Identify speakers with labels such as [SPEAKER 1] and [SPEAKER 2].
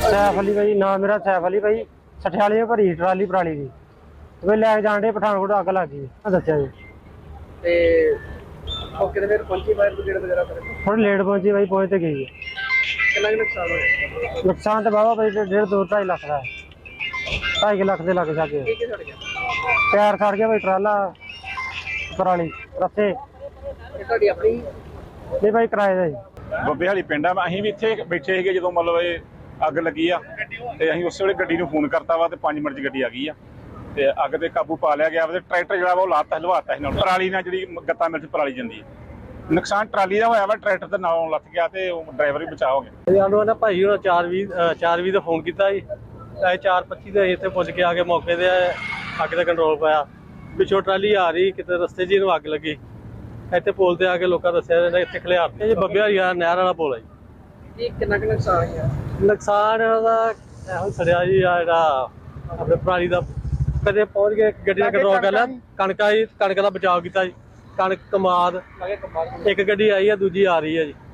[SPEAKER 1] सैफ अली भाई नाम मेरा सैफ अली भाई सठियाली भरी ट्राली पराली की वे लैके जान डे पठानकोट अग लग गई दसिया जी
[SPEAKER 2] मौके ते फिर पहुंची फायर ब्रिगेड वगैरह
[SPEAKER 1] थोड़ी लेट पहुंची भाई पहुंच तो गई है
[SPEAKER 2] कितना नुकसान होया
[SPEAKER 1] नुकसान तो बाबा भाई 1.5-2-2.5 लाख का है 2.5 लाख के लग जाके
[SPEAKER 2] की सड़ गया
[SPEAKER 1] टायर सड़ गया भाई ट्राला पराली रस्ते
[SPEAKER 2] ਇਹ ਤੁਹਾਡੀ ਆਪਣੀ
[SPEAKER 1] नहीं भाई किराए का जी
[SPEAKER 3] ਬੱਬੇ ਵਾਲੀ ਪਿੰਡ ਆ ਅਸੀਂ ਵੀ ਇੱਥੇ ਬੈਠੇ ਸੀਗੇ ਜਦੋਂ ਮਤਲਬ ਇਹ ਅੱਗ ਲੱਗੀ ਆ ਤੇ ਅਸੀਂ ਉਸੇ ਵੇਲੇ ਗੱਡੀ ਨੂੰ ਫੋਨ ਕਰਤਾ ਵਾ ਤੇ 5 ਮਿੰਟ 'ਚ ਗੱਡੀ ਆ ਗਈ ਆ ਤੇ ਅੱਗ ਤੇ ਕਾਬੂ ਪਾ ਲਿਆ ਗਿਆ ਤੇ ਟਰੈਕਟਰ ਜਿਹੜਾ ਵਾ ਉਹ ਲਾਤਾ ਹਲਵਾਤਾ ਸੀ ਨਾਲ ਪਰਾਲੀ ਨਾਲ ਜਿਹੜੀ ਗੱਤਾ ਮਿਲ 'ਚ ਪਰਾਲੀ ਜਾਂਦੀ ਹੈ ਨੁਕਸਾਨ ਟਰਾਲੀ ਦਾ ਹੋਇਆ ਵਾ ਟਰੈਕਟਰ ਦੇ ਨਾਲੋਂ ਲੱਥ ਗਿਆ ਤੇ ਉਹ ਡਰਾਈਵਰ ਵੀ ਬਚਾ ਹੋ ਗਿਆ
[SPEAKER 1] ਸਾਨੂੰ ਨਾ ਭਾਈ ਹੁਣ 4:20 ਦਾ ਫੋਨ ਕੀਤਾ ਜੀ 4:25 ਦੇ ਇੱਥੇ ਪੁੱਜ ਕੇ ਆ ਕੇ ਮੌਕੇ ਤੇ ਅੱਗ ਦਾ ਕੰਟਰੋਲ ਪਾਇਆ ਪਿੱਛੋਂ ਟਰਾਲੀ ਆ ਰਹੀ ਕਿਤੇ ਰਸਤੇ 'ਚ ਇਹਨੂੰ ਅੱਗ ਲੱਗੀ ਇੱਥੇ ਪੁਲ ਤੇ ਆ ਕੇ ਲੋਕਾਂ ਦੱਸਿਆ ਜਾਂਦਾ ਇੱਥੇ ਖਲਿਆਰ ਤੇ ਜੀ ਬੱਬੇ ਵਾਲੀ ਨਹਿਰ ਵਾਲਾ ਪੁਲ ਹੈ ਜੀ
[SPEAKER 2] ਇਹ ਕਿੰਨਾ ਕੁ ਨੁਕਸਾਨ ਹੋਇਆ
[SPEAKER 1] ਨੁਕਸਾਨ ਦਾ ਇਹੋ ਸੜਿਆ ਜੀ ਆ ਜਿਹੜਾ ਆਪਣੇ ਪਰਾਲੀ ਦਾ ਕਦੇ ਪਹੁੰਚ ਕੇ ਗੱਡੀ ਦਾ ਕੰਟਰੋਲ ਕਰ ਲਿਆ ਕਣਕ ਦਾ ਬਚਾਅ ਕੀਤਾ ਜੀ ਕਣਕ ਕਮਾਦ ਇੱਕ ਗੱਡੀ ਆਈ ਆ ਦੂਜੀ ਆ ਰਹੀ ਹੈ ਜੀ